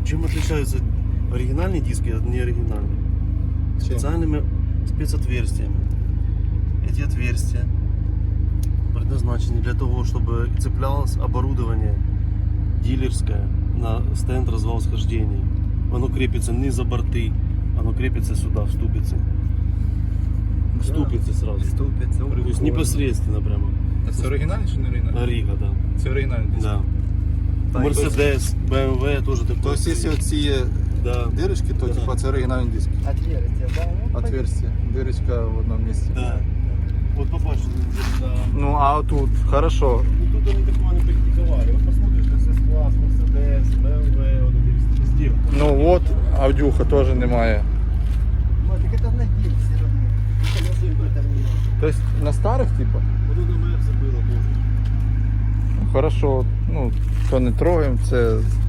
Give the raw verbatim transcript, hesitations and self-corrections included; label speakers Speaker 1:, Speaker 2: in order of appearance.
Speaker 1: Чем отличаются оригинальные диски от неоригинальных? Специальными спецотверстиями. Эти отверстия предназначены для того, чтобы цеплялось оборудование дилерское на стенд развал-схождений. Оно крепится не за борты, оно крепится сюда, в ступицы. В ступицы сразу.
Speaker 2: Ступиці.
Speaker 1: То есть непосредственно прямо.
Speaker 2: А це оригінальний чи не оригінальний?
Speaker 1: Рига, да.
Speaker 2: Це оригінальний диск.
Speaker 1: Да. Мерседес, бэ эм вэ тоже такое.
Speaker 3: Тобто, якщо оці є
Speaker 1: Да.
Speaker 3: дирочки, то
Speaker 1: Да.
Speaker 3: типа, це оригінальний диск.
Speaker 4: Отверстие, да? Ну,
Speaker 3: Отверстие. Дирочка в одному місці.
Speaker 1: Да. Вот попасть, да.
Speaker 3: Ну а тут, хорошо.
Speaker 1: Ну тут они такого не практиковали. Вот посмотришь, эс эс класс, Мерседес, бэ эм вэ, вот это везде.
Speaker 3: Ну от, Авдюха теж немає.
Speaker 4: вот, так это на день все равно. Это на день это не-
Speaker 3: Тобто на старих, типа?
Speaker 1: Вот это Мерс было тоже.
Speaker 3: Хорошо, ну, то не трогаємо, це